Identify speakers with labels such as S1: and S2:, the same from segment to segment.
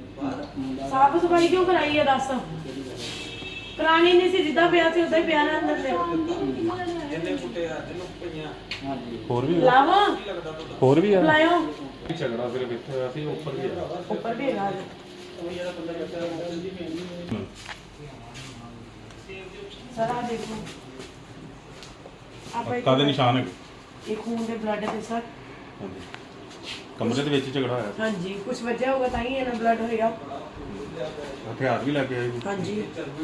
S1: ਸਾਫ ਸਫਾਈ ਕਿਉਂ ਕਰਾਈ ਹੈ ਦੱਸ? ਕਰਾਣੀ ਨਹੀਂ ਸੀ, ਜਿੱਦਾਂ ਪਿਆ ਸੀ ਉਦਾਂ ਹੀ ਪਿਆ ਨਾ ਅੰਦਰ ਤੇ।
S2: ਹੋਰ ਵੀ
S1: ਲਾਵਾ
S2: ਹੋਰ ਵੀ ਆ
S1: ਲਾਇਓ
S2: ਝਗੜਾ ਸਿਰਫ ਇੱਥੇ ਹੋਇਆ ਸੀ, ਉੱਪਰ ਵੀ ਆ।
S1: ਉੱਪਰ ਵੀ ਹੈਗਾ ਸਰ। ਆ ਦੇਖੋ ਆਪਾਂ
S2: ਕਾਦੇ ਨਿਸ਼ਾਨ ਹੈਗੇ?
S1: ਇਹ ਖੂਨ ਦੇ ਬਲੱਡ ਤੇ ਸਰ।
S2: ਕਮਰੇ ਦੇ ਵਿੱਚ ਝਗੜਾ ਹੋਇਆ ਸੀ।
S1: ਹਾਂਜੀ, ਕੁਝ ਵਜ੍ਹਾ ਹੋਗਾ ਤਾਂ ਹੀ ਇਹਨਾਂ ਬਲੱਡ ਹੋਇਆ।
S2: ਹਥਿਆਰ ਵੀ ਲੱਗੇ ਹੋਏ ਸੀ।
S1: ਹਾਂਜੀ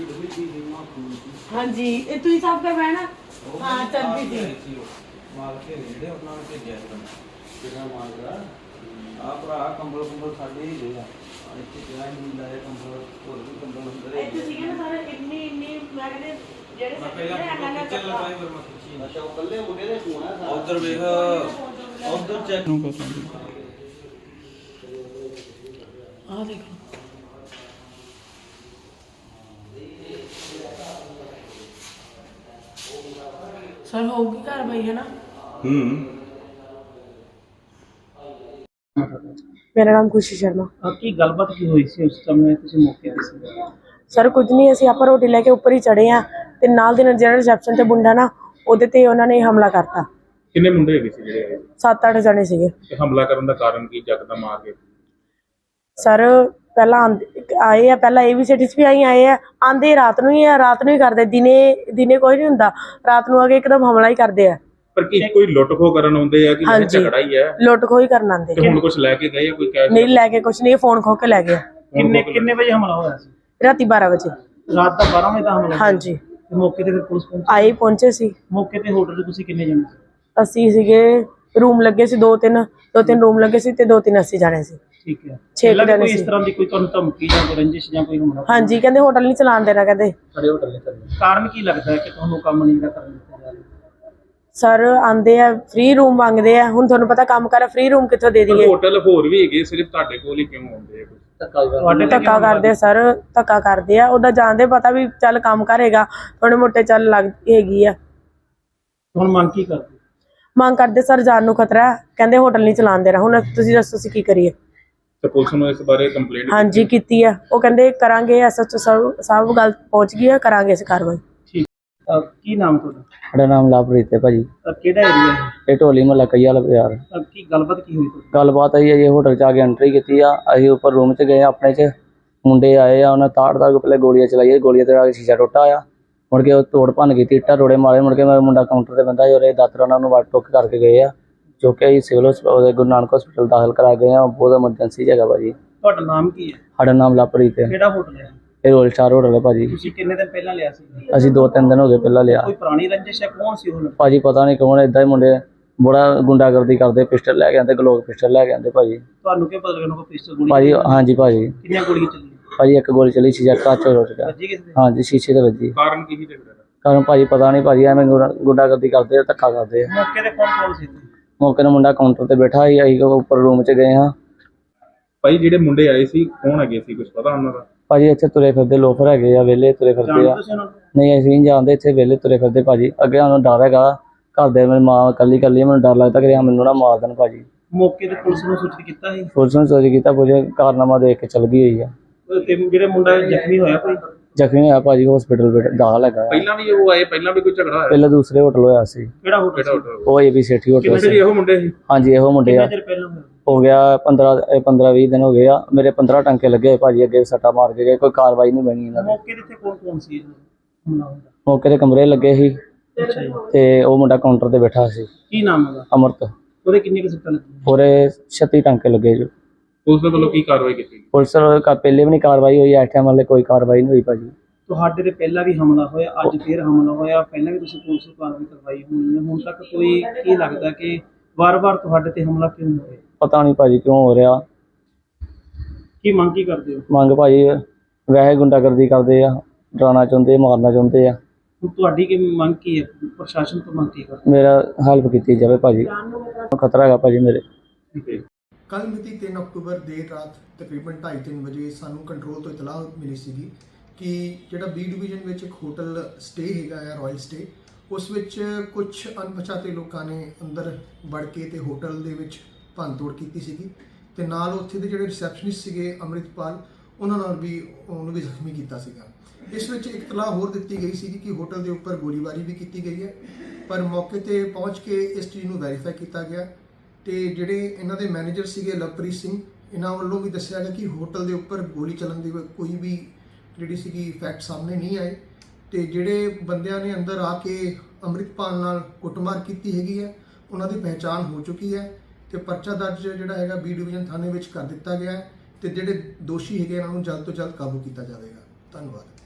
S1: ਹਾਂਜੀ, ਇਹ ਤੁਸੀਂ ਸਾਫ ਕਰਵਾਇਆ ਨਾ? ਹਾਂ ਚਰਬੀ ਸੀ।
S3: ਮਾਲ ਕੇ ਜਿਹੜੇ ਉਹਨਾਂ ਨੇ ਭੇਜਿਆ ਕਿਹੜਾ ਮਾਲ ਦਾ ਆ ਭਰਾ ਕੰਬਲ ਸਾਡੇ ਹੀ ਗਏ ਆ ਇੱਥੇ ਕਿਹਾ ਨਹੀਂ ਲਾਇਆ ਕੰਬਲ, ਹੋਰ ਵੀ ਕੰਬਲ ਅੰਦਰ
S1: ਇੱਥੇ ਸੀਗੇ ਨਾ ਸਾਰੇ ਇੰਨੀ ਮੈਂ ਕਹਿੰਦੇ ਜਿਹੜੇ
S3: ਪਹਿਲਾਂ ਚੱਲ ਲਗਾਈ ਫਿਰ ਮੈਂ ਖਿੱਚੀ। ਅੱਛਾ, ਉਹ ਕੱਲੇ ਮੁੰਡੇ ਦੇ ਫੋਨ ਆ ਸਾਰਾ। ਉਧਰ ਵੇਖ, ਉਧਰ ਚੈੱਕ
S1: ਆ ਦੇਖੋ। ਸਰ ਹੋਊਗੀ ਕਾਰਵਾਈ ਹੈ ਨਾ? ਮੇਰਾ ਨਾਮ ਖੁਸ਼ੀ ਸ਼ਰਮਾ।
S4: ਕੀ ਗੱਲਬਾਤ ਕੀ ਹੋਈ ਸੀ ਉਸ ਸਮੇਂ ਤੁਸੀਂ ਮੌਕੇ ਤੇ ਸੀ?
S1: ਸਰ ਕੁਝ ਨਹੀਂ, ਅਸੀਂ ਆਪਾਂ ਰੋਟੀ ਲੈ ਕੇ ਉੱਪਰ ਹੀ ਚੜੇ ਆ ਤੇ ਨਾਲ ਦੇ ਨਾਲ ਜਿਹੜਾ ਰਿਸੈਪਸ਼ਨ ਤੇ ਮੁੰਡਾ ਨਾ ਉਹਦੇ ਤੇ ਉਹਨਾਂ ਨੇ ਹਮਲਾ ਕਰਤਾ।
S2: ਕਿੰਨੇ ਮੁੰਡੇ ਹੈਗੇ ਸੀ ਜਿਹੜੇ
S1: 7-8 ਜਣੇ ਸੀਗੇ।
S2: ਤੇ ਹਮਲਾ ਕਰਨ ਦਾ ਕਾਰਨ ਕੀ ਯਕਦਮ ਆ ਕੇ?
S1: ਸਰ ਪਹਿਲਾਂ ਆਏ ਆ, ਪਹਿਲਾਂ ABCDs ਵੀ ਆਏ ਆ, ਆਂਦੇ ਰਾਤ ਨੂੰ ਹੀ ਕਰਦੇ। ਦਿਨੇ ਕੋਈ ਨਹੀਂ ਹੁੰਦਾ, ਰਾਤ ਨੂੰ ਆ ਕੇ ਇੱਕਦਮ ਹਮਲਾ ਹੀ ਕਰਦੇ ਆ।
S2: ਪਰ ਕੀ ਕੋਈ ਲੁੱਟ ਖੋ ਕਰਨ ਆਉਂਦੇ ਆ ਕਿ ਇਹ ਝਗੜਾ ਹੀ ਹੈ?
S1: ਲੁੱਟ ਖੋਹ ਹੀ ਕਰਨ ਆਂਦੇ।
S2: ਤੇ ਹੁਣ ਕੁਝ ਲੈ ਕੇ ਗਏ ਆ? ਕੋਈ ਕਹਿ
S1: ਨਹੀਂ ਲੈ ਕੇ ਕੁਝ ਨਹੀਂ, ਫੋਨ ਖੋ ਕੇ ਲੈ ਗਏ।
S4: ਕਿੰਨੇ ਵਜੇ ਹਮਲਾ ਹੋਇਆ ਸੀ?
S1: ਰਾਤੀ 12 ਵਜੇ।
S4: ਰਾਤ ਦਾ 12 ਵਜੇ ਦਾ ਹਮਲਾ?
S1: ਹਾਂਜੀ।
S4: ਤੇ ਮੌਕੇ ਤੇ ਫਿਰ ਪੁਲਿਸ ਪਹੁੰਚੀ?
S1: ਪਹੁੰਚੇ ਸੀ।
S4: ਮੌਕੇ ਤੇ ਹੋਟਲ ਤੇ ਤੁਸੀਂ ਕਿੰਨੇ ਜਣੇ ਸੀ?
S1: ਅਸੀਂ ਸੀਗੇ, ਰੂਮ ਲੱਗੇ ਸੀ ਦੋ ਤਿੰਨ ਰੂਮ ਲੱਗੇ ਸੀ ਤੇ 2-3 ਅਸੀਂ ਜਾਣੇ ਸੀ।
S4: ਠੀਕ ਹੈ।
S1: 6 ਜਣੇ
S4: ਕੋਈ
S1: ਸੀ।
S4: ਇਸ ਤਰ੍ਹਾਂ ਦੀ ਕੋਈ ਤੁਹਾਨੂੰ ਧਮਕੀ ਜਾਂ ਕੋਈ ਰੰਜਿਸ਼ ਜਾਂ ਕੋਈ ਹਮਲਾ?
S1: ਹਾਂਜੀ, ਕਹਿੰਦੇ ਹੋਟਲ ਨਹੀਂ ਚਲਾਉਣ ਦੇਣਾ। ਕਹਿੰਦੇ
S4: ਸਾਡੇ ਹੋਟਲ ਨਹੀਂ ਚੱਲਣਾ। ਕਾਰਨ ਕੀ ਲੱਗਦਾ ਹੈ ਕਿ ਤੁਹਾਨੂੰ ਕੰਮ ਨਹੀਂ ਕਰਨ ਦਿੱਤਾ ਜਾ ਰਿਹਾ?
S1: ਸਰ ਆਂਦੇ ਆ, ਫ੍ਰੀ ਰੂਮ ਮੰਗਦੇ ਆ। ਹੁਣ ਤੁਹਾਨੂੰ ਪਤਾ ਕੰਮ ਕਰ, ਫ੍ਰੀ ਰੂਮ ਕਿੱਥੋਂ ਦੇ ਦਈਏ?
S2: ਹੋਟਲ ਹੋਰ ਵੀ ਹੈਗੇ, ਸਿਰਫ ਤੁਹਾਡੇ ਕੋਲ ਹੀ ਕਿਉਂ ਆਉਂਦੇ ਆ?
S1: ਧੱਕਾ ਕਰਦੇ ਆ ਸਰ, ਧੱਕਾ ਕਰਦੇ ਆ। ਉਹਦਾ ਜਾਣਦੇ ਪਤਾ ਵੀ ਚੱਲ ਕੰਮ ਕਰੇਗਾ, ਥੋੜੇ ਮੋਟੇ ਚੱਲ ਲੱਗ ਹੈਗੀ ਆ।
S4: ਹੁਣ ਮੰਗ ਕੀ ਕਰਦੇ?
S1: ਮੰਗ ਕਰਦੇ ਸਰ, ਜਾਨ ਨੂੰ ਖਤਰਾ ਹੈ। ਕਹਿੰਦੇ ਹੋਟਲ ਨਹੀਂ ਚਲਾਉਣ ਦੇਣਾ। ਹੁਣ ਤੁਸੀਂ ਦੱਸੋ ਅਸੀਂ ਕੀ ਕਰੀਏ?
S2: ਤੇ ਪੁਲਿਸ ਨੂੰ ਇਸ ਬਾਰੇ ਕੰਪਲੇਂਟ?
S1: ਹਾਂਜੀ ਕੀਤੀ ਆ। ਉਹ ਕਹਿੰਦੇ ਕਰਾਂਗੇ, SHO ਸਭ ਗੱਲ ਪਹੁੰਚ ਗਈ ਆ, ਕਰਾਂਗੇ ਇਸ ਕਾਰਵਾਈ।
S4: ਠੀਕ। ਕੀ ਨਾਮ ਤੁਹਾਡਾ?
S5: ਸਾਡਾ ਨਾਮ ਲਵਪ੍ਰੀਤ ਹੈ ਭਾਜੀ।
S4: ਕਿਹੜਾ ਏਰੀਆ ਹੈ?
S5: ਇਹ ਢੋਲੀ ਮਹੱਲਾ ਕਈ ਵਾਲਾ ਬਾਜ਼ਾਰ।
S4: ਕੀ ਗੱਲਬਾਤ ਕੀ ਹੋਈ ਤੁਹਾਡੀ?
S5: ਗੱਲਬਾਤ ਆਈ ਹੈ ਜੀ, ਹੋਟਲ 'ਚ ਆ ਕੇ ਐਂਟਰੀ ਕੀਤੀ ਆ। ਅਸੀਂ ਉੱਪਰ ਰੂਮ 'ਚ ਗਏ ਆਪਣੇ 'ਚ, ਮੁੰਡੇ ਆਏ ਆ, ਉਹਨਾਂ ਤਾੜ ਕੇ ਪਹਿਲੇ ਗੋਲੀਆਂ ਚਲਾਈਆਂ। ਗੋਲੀਆਂ ਤੇ ਆ ਕੇ ਸ਼ੀਸ਼ਾ ਟੁੱਟਾ ਆ। ਮੁੜ ਕੇ ਉਹ ਤੋੜ ਭੰਨ ਕੀਤੀ, ਇੱਟਾਂ ਰੋੜੇ ਮਾਰੇ। ਮੁੜ ਕੇ ਮੇਰਾ ਮੁੰਡਾ ਕਾਊਂਟਰ ਤੇ ਬੰਦਾ ਸੀ, ਦਾਤਰ ਉਹਨਾਂ ਨੂੰ ਵੱਟ ਟੁੱਕ ਕਰਕੇ ਗਏ ਆ, ਜੋ ਕਿ ਅਸੀਂ ਸਿਵਲ ਹਸਪਤਾਲ ਗੁਰੂ ਨਾਨਕ ਹਸਪਤਾਲ ਦਾਖਲ ਕਰਾ ਗਏ ਆ। ਬਹੁਤ ਐਮਰਜੈਂਸੀ ਜਗ੍ਹਾ ਭਾਜੀ।
S4: ਤੁਹਾਡਾ ਨਾਮ ਕੀ ਹੈ?
S5: ਸਾਡਾ ਨਾਮ ਲਵਪ੍ਰੀਤ ਹੈ।
S4: ਕਿਹੜਾ ਹੋਟਲ ਹੈ?
S5: ਇਹ ਰੋਲ ਸਟਾਰ ਹੋਟਲ ਹੈ ਭਾਜੀ।
S4: ਤੁਸੀਂ ਕਿੰਨੇ ਦਿਨ ਪਹਿਲਾਂ ਲਿਆ ਸੀ?
S5: ਅਸੀਂ 2-3 ਦਿਨ ਹੋ ਗਏ ਪਹਿਲਾਂ ਲਿਆ।
S4: ਕੋਈ ਪੁਰਾਣੀ ਰੰਜਿਸ਼ ਹੈ? ਕੌਣ ਸੀ ਉਹ?
S5: ਭਾਜੀ ਪਤਾ ਨਹੀਂ ਕੌਣ, ਏਦਾਂ ਹੀ ਮੁੰਡੇ ਬੜਾ ਗੁੰਡਾਗਰਦੀ ਕਰਦੇ, ਪਿਸਟਲ ਲੈ ਕੇ ਆਉਂਦੇ, ਗਲੋਕ ਪਿਸਟਲ ਲੈ ਕੇ ਆਉਂਦੇ ਭਾਜੀ।
S4: ਤੁਹਾਨੂੰ ਕੀ ਪਤਾ ਲੱਗਣਾ ਕੋਈ ਪਿਸਤੌਲ ਗੋਲੀ?
S5: ਭਾਜੀ ਹਾਂਜੀ ਭਾਜੀ।
S4: ਕਿੰਨੀਆਂ ਗੋਲੀਆਂ ਚੱਲੀਆਂ?
S5: ਭਾਜੀ ਇੱਕ ਗੋਲੀ ਚਲੀ, ਸ਼ੀਸ਼ਾ ਕੱਚ ਹੋ ਗਿਆ।
S4: ਵੱਜੀ ਕਿਸੇ ਦੇ?
S5: ਹਾਂਜੀ ਸ਼ੀਸ਼ੇ ਤੇ ਵੱਜੀ।
S2: ਕਾਰਨ ਕੀ ਸੀ ਝਗੜੇ ਦਾ?
S5: ਕਾਰਨ ਭਾਜੀ ਪਤਾ ਨਹੀਂ ਭਾਜੀ, ਐਵੇਂ ਗੁੰਡਾਗਰਦੀ ਕਰਦੇ ਆ, ਧੱਕਾ ਕਰਦੇ ਆ।
S4: ਮੌਕੇ ਤੇ ਕੌਣ ਸੀ?
S5: ਮੌਕੇ ਨੂੰ ਮੁੰਡਾ ਕਾਊਂਟਰ ਤੇ ਬੈਠਾ ਸੀ, ਅਸੀਂ ਉੱਪਰ ਰੂਮ 'ਚ ਗਏ ਹਾਂ।
S2: ਭਾਈ ਜਿਹੜੇ ਮੁੰਡੇ ਆਏ ਸੀ ਕੌਣ ਹੈਗੇ ਸੀ, ਕੁਝ ਪਤਾ ਉਹਨਾਂ ਦਾ?
S5: ਭਾਜੀ ਇੱਥੇ ਤੁਰੇ ਫਿਰਦੇ ਲੋਫਰ ਹੈਗੇ ਆ, ਵਿਹਲੇ ਤੁਰੇ ਫਿਰਦੇ ਆ।
S4: ਜਾਣਦੇ ਤੁਸੀਂ ਉਹਨਾਂ ਨੂੰ?
S5: ਨਹੀਂ ਅਸੀਂ ਨਹੀਂ ਜਾਣਦੇ, ਇੱਥੇ ਵਿਹਲੇ ਤੁਰੇ ਫਿਰਦੇ ਭਾਜੀ। ਅੱਗੇ ਸਾਨੂੰ ਡਰ ਹੈਗਾ, ਘਰ ਦੇ ਮੇਰੀ ਮਾਂ ਇਕੱਲੀ ਮੈਨੂੰ ਡਰ ਲੱਗਦਾ ਕਿ ਮੈਨੂੰ ਨਾ ਮਾਰ ਦੇਣ ਭਾਜੀ।
S4: ਮੌਕੇ ਤੇ ਪੁਲਿਸ ਨੂੰ ਸੂਚਿਤ ਕੀਤਾ ਸੀ?
S5: ਪੁਲਿਸ ਨੂੰ ਚੋਰੀ ਕੀਤਾ, ਪੁਲਿਸ ਕਾਰਨਾਮਾ ਦੇਖ ਕੇ ਚਲ ਗਈ ਹੋਈ ਆ।
S4: ਤੇ ਜਿਹੜੇ ਮੁੰਡਾ ਜ਼ਖਮੀ ਹੋਇਆ ਕੋਈ?
S5: ਜ਼ਖਮੀ ਹੋਇਆ ਭਾਜੀ, ਹਸਪੀਟਲ ਦਾਖਲ ਹੈਗਾ।
S2: ਪਹਿਲਾਂ ਵੀ ਉਹ ਆਏ, ਪਹਿਲਾਂ ਵੀ ਕੋਈ ਝਗੜਾ ਹੋਇਆ?
S5: ਪਹਿਲਾਂ ਦੂਸਰੇ ਹੋਟਲ ਹੋਇਆ ਸੀ।
S4: ਕਿਹੜਾ ਹੋਟਲ?
S5: ਉਹ ABCD ਹੋਟਲ
S2: ਕਿੰਨੇ
S5: ਸੀ।
S2: ਇਹੋ ਮੁੰਡੇ ਸੀ?
S5: ਹਾਂਜੀ ਇਹੋ ਮੁੰਡੇ ਆ।
S4: ਕਿੰਨੇ ਚਿਰ ਪਹਿਲਾਂ ਹੋਇਆ?
S5: ਹੋ ਗਿਆ 15-20 ਦਿਨ ਹੋ ਗਏ ਆ। ਮੇਰੇ 15 ਟੰਕੇ ਲੱਗੇ ਹੋਏ ਭਾਜੀ, ਅੱਗੇ ਸੱਟਾ ਮਾਰ ਕੇ ਗਏ, ਕੋਈ ਕਾਰਵਾਈ ਨਹੀਂ ਬਣੀ ਇਹਨਾਂ ਦੀ।
S4: ਮੌਕੇ ਤੇ ਕੌਣ ਸੀ ਹਮਲਾ ਹੁੰਦਾ?
S5: ਮੌਕੇ ਤੇ ਕਮਰੇ ਲੱਗੇ ਸੀ
S4: ਅੱਛਾ ਜੀ।
S5: ਤੇ ਉਹ ਮੁੰਡਾ ਕਾਊਂਟਰ ਤੇ ਬੈਠਾ ਸੀ।
S4: ਕੀ ਨਾਮ ਉਹਦਾ?
S5: ਅਮਰਤ।
S4: ਉਹਦੇ ਕਿੰਨੇ ਕੁ ਸੱਟਾਂ ਲੱਗੀਆਂ?
S5: ਪੂਰੇ 36 ਟੰਕੇ ਲੱਗੇ ਜੋ।
S2: ਪੁਲਿਸ ਦੇ ਵੱਲੋਂ ਕੀ ਕਾਰਵਾਈ ਕੀਤੀ?
S5: ਪੁਲਿਸ ਵੱਲੋਂ ਪਹਿਲੇ ਵੀ ਨਹੀਂ ਕਾਰਵਾਈ ਹੋਈ, ਇਸ ਟਾਈਮ ਵਾਲੇ ਕੋਈ ਕਾਰਵਾਈ ਨਹੀਂ ਹੋਈ ਭਾਜੀ।
S4: ਤੁਹਾਡੇ ਤੇ ਪਹਿਲਾਂ ਵੀ ਹਮਲਾ ਹੋਇਆ, ਅੱਜ ਫਿਰ ਹਮਲਾ ਹੋਇਆ, ਪਹਿਲਾਂ ਵੀ ਤੁਸੀਂ ਪੁਲਿਸ ਨੂੰ ਕਾਰਵਾਈ ਕਰਵਾਈ ਹੋਣੀ ਹੈ, ਹੁਣ ਤੱਕ ਕੋਈ ਕੀ ਲੱਗਦਾ ਕਿ ਵਾਰ-ਵਾਰ ਤੁਹਾਡੇ ਤੇ ਹਮਲਾ ਕਿਉਂ ਹੋ ਰਿਹਾ?
S5: ਪਤਾ ਨਹੀਂ ਭਾਜੀ ਕਿਉਂ ਹੋ ਰਿਹਾ।
S4: ਕੀ ਮੰਗ ਕੀ ਕਰਦੇ ਹੋ?
S5: ਮੰਗ ਭਾਜੀ ਵੈਸੇ ਗੁੰਡਾਗਰਦੀ ਕਰਦੇ ਆ, ਡਰਾਉਣਾ ਚਾਹੁੰਦੇ, ਮਾਰਨਾ ਚਾਹੁੰਦੇ ਆ।
S4: ਹੁਣ ਤੁਹਾਡੀ ਕੀ ਮੰਗ ਕੀ ਹੈ? ਪ੍ਰਸ਼ਾਸਨ ਤੋਂ ਮੰਗ ਕੀ ਕਰਦੇ?
S5: ਮੇਰਾ ਹੈਲਪ ਕੀਤੀ ਜਾਵੇ ਭਾਜੀ, ਖਤਰਾ ਹੈਗਾ ਭਾਜੀ ਮੇਰੇ।
S6: ਕੱਲ ਮਿਤੀ 3 ਅਕਤੂਬਰ ਦੇਰ ਰਾਤ ਤਕਰੀਬਨ 2:30-3 ਵਜੇ ਸਾਨੂੰ ਕੰਟਰੋਲ ਤੋਂ ਇਤਲਾਹ ਮਿਲੀ ਸੀਗੀ ਕਿ ਜਿਹੜਾ B ਡਿਵੀਜ਼ਨ ਵਿੱਚ ਇੱਕ ਹੋਟਲ ਸਟੇ ਹੈਗਾ ਆ, ਰਾਇਲ ਸਟੇ, ਉਸ ਵਿੱਚ ਕੁਝ ਅਣਪਛਾਤੇ ਲੋਕਾਂ ਨੇ ਅੰਦਰ ਵੜ ਕੇ ਤੇ ਹੋਟਲ ਦੇ ਵਿੱਚ ਭੰਨਤੋੜ ਕੀਤੀ ਸੀਗੀ। ਤੇ ਨਾਲ ਉੱਥੇ ਦੇ ਜਿਹੜੇ ਰਿਸੈਪਸ਼ਨਿਸਟ ਸੀਗੇ ਅੰਮ੍ਰਿਤਪਾਲ, ਉਹਨਾਂ ਨਾਲ ਵੀ ਉਹਨੂੰ ਵੀ ਜ਼ਖਮੀ ਕੀਤਾ ਸੀਗਾ। ਇਸ ਵਿੱਚ ਇੱਕ ਇਤਲਾਹ ਹੋਰ ਦਿੱਤੀ ਗਈ ਸੀ ਕਿ ਹੋਟਲ ਦੇ ਉੱਪਰ ਗੋਲੀਬਾਰੀ ਵੀ ਕੀਤੀ ਗਈ ਹੈ, ਪਰ ਮੌਕੇ ਤੇ ਪਹੁੰਚ ਕੇ ਇਸ ਚੀਜ਼ ਨੂੰ ਵੈਰੀਫਾਈ ਕੀਤਾ ਗਿਆ ਤੇ ਜਿਹੜੇ ਇਹਨਾਂ ਦੇ ਮੈਨੇਜਰ ਸੀਗੇ ਲਵਪ੍ਰੀਤ ਸਿੰਘ, ਇਹਨਾਂ ਵੱਲੋਂ ਵੀ ਦੱਸਿਆ ਗਿਆ ਕਿ ਹੋਟਲ ਦੇ ਉੱਪਰ ਗੋਲੀ ਚੱਲਣ ਦੀ ਕੋਈ ਵੀ ਜਿਹੜੀ ਸੀਗੀ ਫੈਕਟ ਸਾਹਮਣੇ ਨਹੀਂ ਆਏ ਤੇ ਜਿਹੜੇ ਬੰਦਿਆਂ ਨੇ ਅੰਦਰ ਆ ਕੇ ਅੰਮ੍ਰਿਤਪਾਲ ਨਾਲ ਕੁੱਟਮਾਰ ਕੀਤੀ ਹੈਗੀ ਹੈ ਉਹਨਾਂ ਦੀ ਪਹਿਚਾਣ ਹੋ ਚੁੱਕੀ ਹੈ ਤੇ ਪਰਚਾ ਦਰਜ ਜਿਹੜਾ ਹੈਗਾ ਬੀ ਡਿਵੀਜ਼ਨ ਥਾਣੇ ਵਿੱਚ ਕਰ ਦਿੱਤਾ ਗਿਆ ਹੈ ਤੇ ਜਿਹੜੇ ਦੋਸ਼ੀ ਹੈਗੇ ਇਹਨਾਂ ਨੂੰ ਜਲਦ ਤੋਂ ਜਲਦ ਕਾਬੂ ਕੀਤਾ ਜਾਵੇਗਾ। ਧੰਨਵਾਦ।